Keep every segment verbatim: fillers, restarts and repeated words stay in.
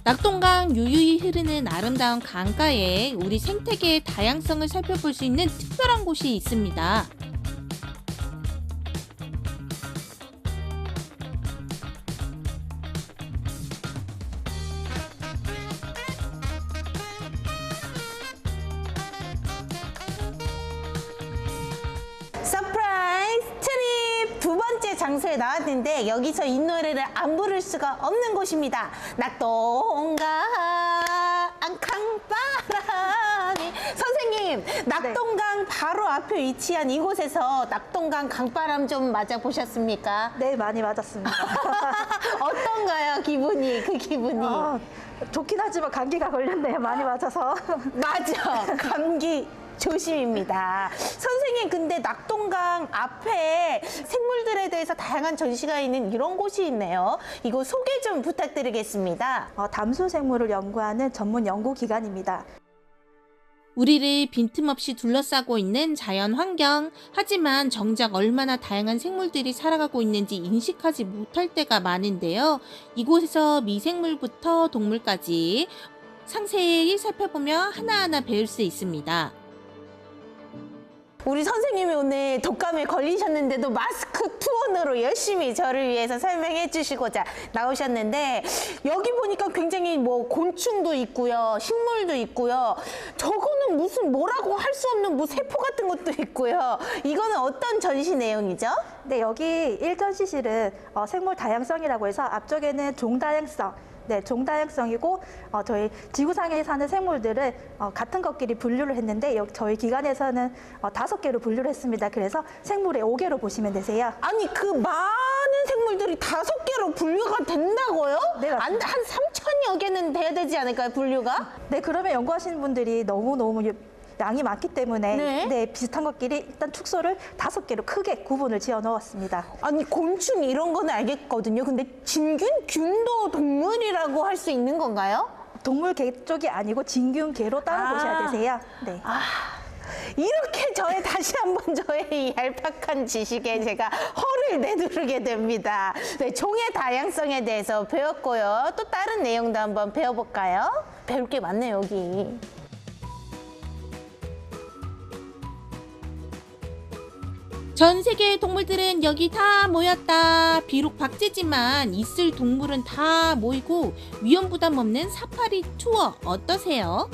낙동강 유유히 흐르는 아름다운 강가에 우리 생태계의 다양성을 살펴볼 수 있는 특별한 곳이 있습니다. 서프라이즈 트립 두 번째 장소에 나왔는데 여기서 이 노래를 안 부를 수가 없는 곳입니다. 낙동강 강바람이. 선생님, 낙동강 바로 앞에 위치한 이곳에서 낙동강 강바람 좀 맞아보셨습니까? 네, 많이 맞았습니다. 어떤가요, 기분이? 그 기분이? 어, 좋긴 하지만 감기가 걸렸네요. 많이 맞아서. 맞아, 감기 조심입니다. 선생님, 근데 낙동강 앞에 생물들에 대해서 다양한 전시가 있는 이런 곳이 있네요. 이거 소개 좀 부탁드리겠습니다. 어, 담수 생물을 연구하는 전문 연구기관입니다. 우리를 빈틈없이 둘러싸고 있는 자연 환경. 하지만 정작 얼마나 다양한 생물들이 살아가고 있는지 인식하지 못할 때가 많은데요. 이곳에서 미생물부터 동물까지 상세히 살펴보며 하나하나 배울 수 있습니다. 우리 선생님이 오늘 독감에 걸리셨는데도 마스크 투혼으로 열심히 저를 위해서 설명해 주시고자 나오셨는데, 여기 보니까 굉장히 뭐 곤충도 있고요, 식물도 있고요. 저거는 무슨 뭐라고 할 수 없는 뭐 세포 같은 것도 있고요. 이거는 어떤 전시 내용이죠? 네, 여기 일 전시실은 어, 생물 다양성이라고 해서 앞쪽에는 종다양성, 네, 종다양성이고 어, 저희 지구상에 사는 생물들을 어, 같은 것끼리 분류를 했는데 여기 저희 기관에서는 어, 다섯 개로 분류를 했습니다. 그래서 생물의 오 개로 보시면 되세요. 아니, 그 많은 생물들이 다섯 개로 분류가 된다고요? 네, 맞습니다. 안- 한 삼천여 개는 돼야 되지 않을까요, 분류가? 네, 그러면 연구하시는 분들이 너무너무 양이 많기 때문에 네. 네, 비슷한 것끼리 일단 축소를 다섯 개로 크게 구분을 지어 넣었습니다. 아니, 곤충 이런 거는 알겠거든요. 근데 진균? 균도 동물이라고 할 수 있는 건가요? 동물계 쪽이 아니고 진균계로 따로 아. 보셔야 되세요. 네. 아, 이렇게 저의 다시 한번 저의 이 얄팍한 지식에 제가 허를 내두르게 됩니다. 네, 종의 다양성에 대해서 배웠고요. 또 다른 내용도 한번 배워볼까요? 배울 게 많네요, 여기. 전 세계의 동물들은 여기 다 모였다. 비록 박제지만 있을 동물은 다 모이고 위험 부담 없는 사파리 투어 어떠세요?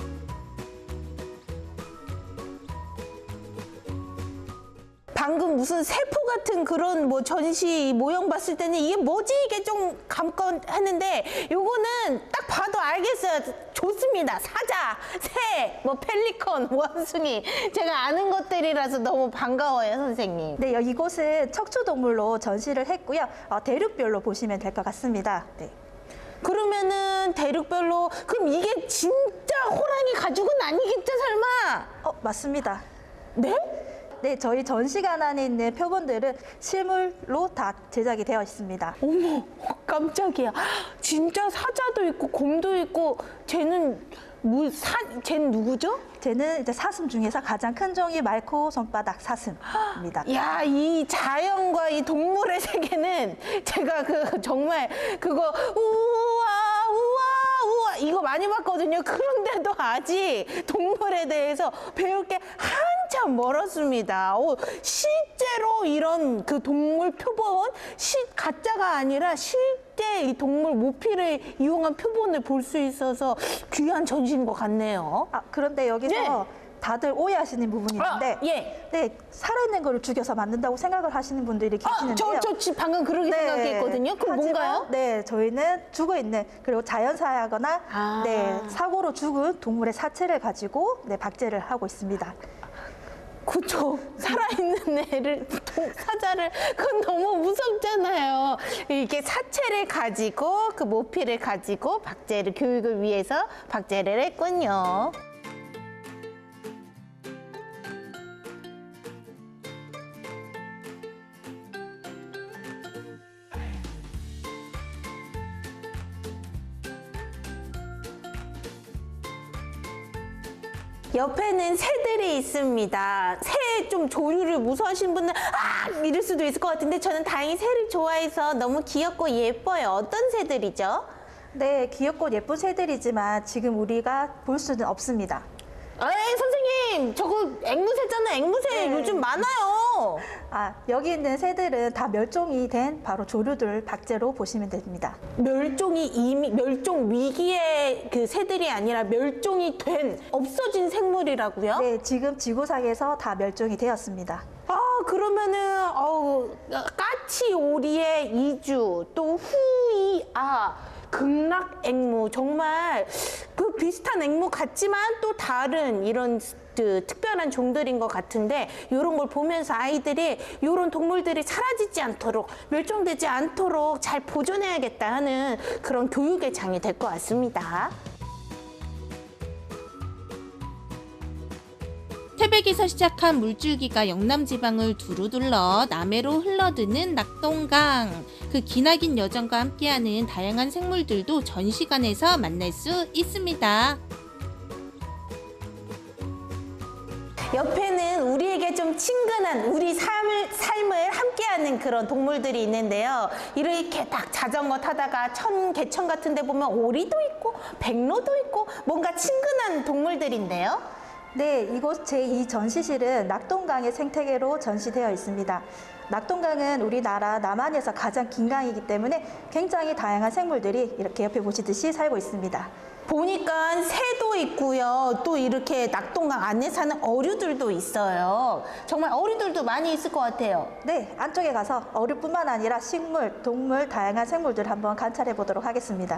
방금 무슨 세포 같은 그런 뭐 전시 모형 봤을 때는 이게 뭐지? 이게 좀 감건 했는데 요거는 딱 봐도 알겠어요. 좋습니다. 사자, 새, 뭐 펠리컨, 원숭이. 제가 아는 것들이라서 너무 반가워요, 선생님. 네, 여기 이곳은 척추동물로 전시를 했고요. 어, 대륙별로 보시면 될 것 같습니다. 네. 그러면은 대륙별로, 그럼 이게 진짜 호랑이 가죽은 아니겠죠, 설마? 어, 맞습니다. 네? 네, 저희 전시관 안에 있는 표본들은 실물로 다 제작이 되어 있습니다. 어머, 깜짝이야. 진짜 사자도 있고 곰도 있고. 쟤는 뭐 사, 쟤는 누구죠? 쟤는 이제 사슴 중에서 가장 큰 종이 말코 손바닥 사슴입니다. 야, 이 자연과 이 동물의 세계는 제가 그 정말 그거 우와 우와 우와 이거 많이 봤거든요. 그런데도 아직 동물에 대해서 배울 게 한참 멀었습니다. 오, 실제로 이런 그 동물 표본, 시, 가짜가 아니라 실제 이 동물 모피를 이용한 표본을 볼 수 있어서 귀한 전시인 것 같네요. 아, 그런데 여기서 네. 다들 오해하시는 부분이 있는데 아, 예. 네, 살아있는 거를 죽여서 만든다고 생각을 하시는 분들이 아, 계시는데요. 저, 저 지금 방금 그렇게 네. 생각했거든요. 그럼 하지만, 뭔가요? 네, 저희는 죽어있는 그리고 자연사하거나 아. 네, 사고로 죽은 동물의 사체를 가지고 네, 박제를 하고 있습니다. 그쵸. 살아있는 애를, 동- 사자를, 그건 너무 무섭잖아요. 이게 사체를 가지고, 그 모피를 가지고 박제를, 교육을 위해서 박제를 했군요. 옆에는 새들이 있습니다. 새 좀 조류를 무서워하시는 분은 아 이럴 수도 있을 것 같은데 저는 다행히 새를 좋아해서 너무 귀엽고 예뻐요. 어떤 새들이죠? 네, 귀엽고 예쁜 새들이지만 지금 우리가 볼 수는 없습니다. 에이, 선생님, 저거 앵무새잖아요. 앵무새 네. 요즘 많아요. 아, 여기 있는 새들은 다 멸종이 된 바로 조류들 박제로 보시면 됩니다. 멸종이 이미 멸종 위기의 그 새들이 아니라 멸종이 된 없어진 생물이라고요? 네, 지금 지구상에서 다 멸종이 되었습니다. 아, 그러면은 어우, 까치 오리의 이주, 또 후이아, 극락앵무, 정말 그 비슷한 앵무 같지만 또 다른 이런 그 특별한 종들인 것 같은데, 이런 걸 보면서 아이들이 이런 동물들이 사라지지 않도록, 멸종되지 않도록 잘 보존해야겠다 하는 그런 교육의 장이 될 것 같습니다. 태백에서 시작한 물줄기가 영남 지방을 두루 둘러 남해로 흘러드는 낙동강. 그 기나긴 여정과 함께하는 다양한 생물들도 전시관에서 만날 수 있습니다. 옆에는 우리에게 좀 친근한 우리 삶을, 삶을 함께하는 그런 동물들이 있는데요. 이렇게 딱 자전거 타다가 천, 개천 같은 데 보면 오리도 있고 백로도 있고 뭔가 친근한 동물들인데요. 네, 이곳 제이 전시실은 낙동강의 생태계로 전시되어 있습니다. 낙동강은 우리나라 남한에서 가장 긴 강이기 때문에 굉장히 다양한 생물들이 이렇게 옆에 보시듯이 살고 있습니다. 보니까 새도 있고요. 또 이렇게 낙동강 안에 사는 어류들도 있어요. 정말 어류들도 많이 있을 것 같아요. 네, 안쪽에 가서 어류뿐만 아니라 식물, 동물, 다양한 생물들 한번 관찰해 보도록 하겠습니다.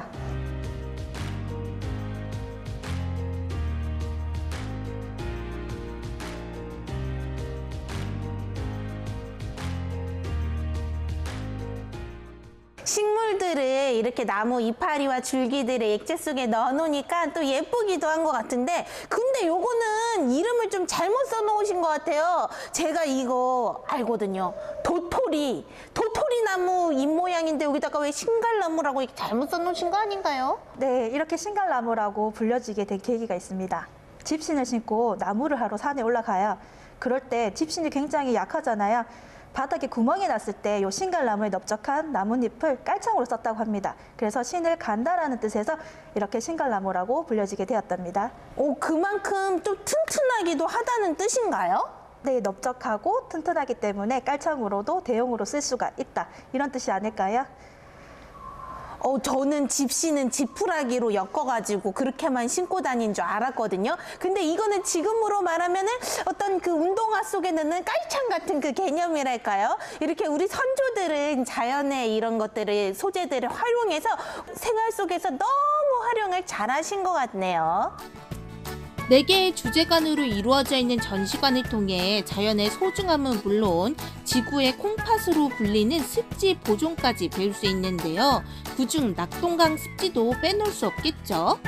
식물들을 이렇게 나무 이파리와 줄기들을 액체 속에 넣어놓으니까 또 예쁘기도 한 것 같은데, 근데 요거는 이름을 좀 잘못 써놓으신 것 같아요. 제가 이거 알거든요. 도토리. 도토리 나무 잎 모양인데 여기다가 왜 신갈나무라고 이렇게 잘못 써놓으신 거 아닌가요? 네, 이렇게 신갈나무라고 불려지게 된 계기가 있습니다. 집신을 신고 나무를 하러 산에 올라가요. 그럴 때 집신이 굉장히 약하잖아요. 바닥에 구멍이 났을 때 이 신갈나무에 넓적한 나뭇잎을 깔창으로 썼다고 합니다. 그래서 신을 간다라는 뜻에서 이렇게 신갈나무라고 불려지게 되었답니다. 오, 그만큼 또 튼튼하기도 하다는 뜻인가요? 네, 넓적하고 튼튼하기 때문에 깔창으로도 대용으로 쓸 수가 있다. 이런 뜻이 아닐까요? 어, 저는 집시는 지푸라기로 엮어가지고 그렇게만 신고 다닌 줄 알았거든요. 근데 이거는 지금으로 말하면은 어떤 그 운동화 속에 넣는 깔창 같은 그 개념이랄까요? 이렇게 우리 선조들은 자연의 이런 것들을, 소재들을 활용해서 생활 속에서 너무 활용을 잘 하신 것 같네요. 네 개의 주제관으로 이루어져 있는 전시관을 통해 자연의 소중함은 물론 지구의 콩팥으로 불리는 습지 보존까지 배울 수 있는데요. 그중 낙동강 습지도 빼놓을 수 없겠죠.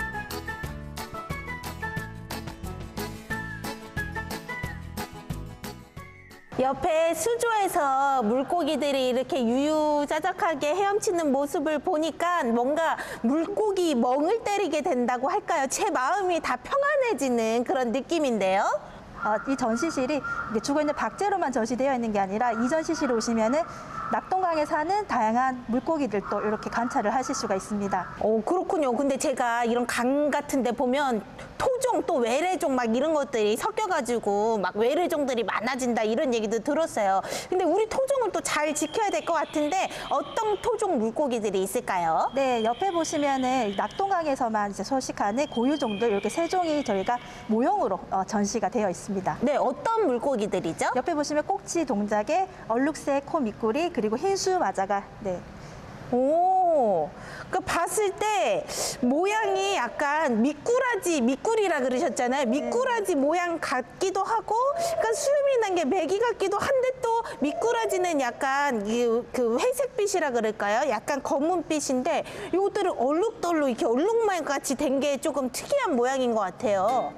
옆에 수조에서 물고기들이 이렇게 유유자적하게 헤엄치는 모습을 보니까 뭔가 물고기 멍을 때리게 된다고 할까요? 제 마음이 다 평안해지는 그런 느낌인데요. 어, 이 전시실이 이게 죽어있는 박제로만 전시되어 있는 게 아니라 이 전시실에 오시면은 낙동강에 사는 다양한 물고기들도 이렇게 관찰을 하실 수가 있습니다. 오, 그렇군요. 근데 제가 이런 강 같은 데 보면 토종 또 외래종 막 이런 것들이 섞여가지고 막 외래종들이 많아진다 이런 얘기도 들었어요. 근데 우리 토종을 또 잘 지켜야 될 것 같은데 어떤 토종 물고기들이 있을까요? 네, 옆에 보시면은 낙동강에서만 이제 서식하는 고유종들 이렇게 세 종이 저희가 모형으로 어, 전시가 되어 있습니다. 네, 어떤 물고기들이죠? 옆에 보시면 꼭지 동작에 얼룩새, 코 미꾸리 그리고 흰수 마자가 네. 오, 그 봤을 때 모양이 약간 미꾸라지, 미꾸리라 그러셨잖아요. 미꾸라지 모양 같기도 하고, 약간 수염이 난 게 메기 같기도 한데 또 미꾸라지는 약간 이, 그 회색빛이라 그럴까요? 약간 검은빛인데 이것들은 얼룩덜룩 이렇게 얼룩말 같이 된 게 조금 특이한 모양인 것 같아요.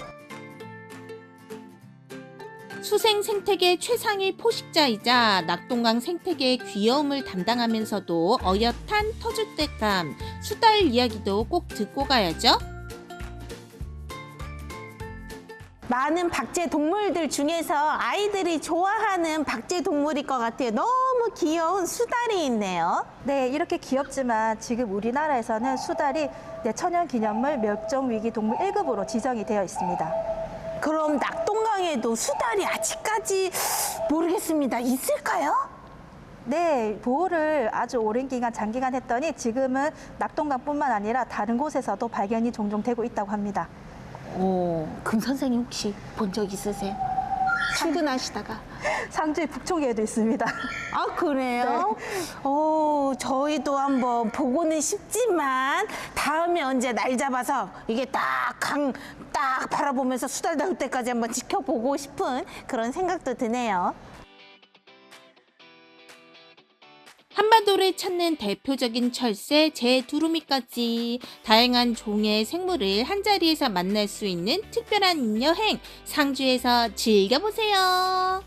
수생 생태계 최상위 포식자이자 낙동강 생태계의 귀여움을 담당하면서도 어엿한 터줏대감, 수달 이야기도 꼭 듣고 가야죠. 많은 박제 동물들 중에서 아이들이 좋아하는 박제 동물일 것 같아요. 너무 귀여운 수달이 있네요. 네, 이렇게 귀엽지만 지금 우리나라에서는 수달이 네, 천연기념물 멸종위기 동물 일 급으로 지정이 되어 있습니다. 그럼 낙동강에도 수달이 아직까지 모르겠습니다. 있을까요? 네, 보호를 아주 오랜 기간, 장기간 했더니 지금은 낙동강뿐만 아니라 다른 곳에서도 발견이 종종 되고 있다고 합니다. 오, 금 선생님 혹시 본 적 있으세요? 출근하시다가. 상주의 북촌에도 있습니다. 아, 그래요? 오, 저희도 한번 보고는 싶지만 다음에 언제 날 잡아서 이게 딱 강 딱 바라보면서 수달 나올 때까지 한번 지켜보고 싶은 그런 생각도 드네요. 한반도를 찾는 대표적인 철새 제두루미까지 다양한 종의 생물을 한자리에서 만날 수 있는 특별한 여행 상주에서 즐겨보세요.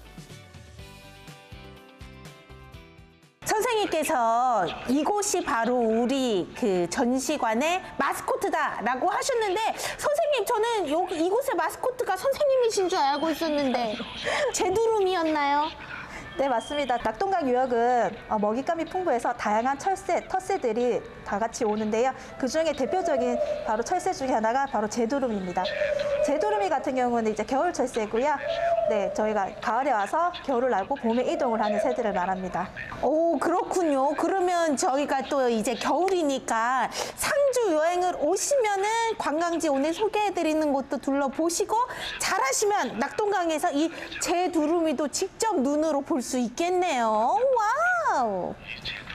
선생님께서 이곳이 바로 우리 그 전시관의 마스코트다라고 하셨는데 선생님 저는 여기 이곳의 마스코트가 선생님이신 줄 알고 있었는데 제두름이었나요? 네, 맞습니다. 낙동강 유역은 어, 먹잇감이 풍부해서 다양한 철새, 텃새들이 다 같이 오는데요. 그중에 대표적인 바로 철새 중에 하나가 바로 제두루미입니다. 제두루미 같은 경우는 이제 겨울 철새고요. 네, 저희가 가을에 와서 겨울을 나고 봄에 이동을 하는 새들을 말합니다. 오, 그렇군요. 그러면 저희가 또 이제 겨울이니까 상주 여행을 오시면은 관광지 오늘 소개해드리는 곳도 둘러보시고 잘하시면 낙동강에서 이 제두루미도 직접 눈으로 볼 수 있겠네요. 와우.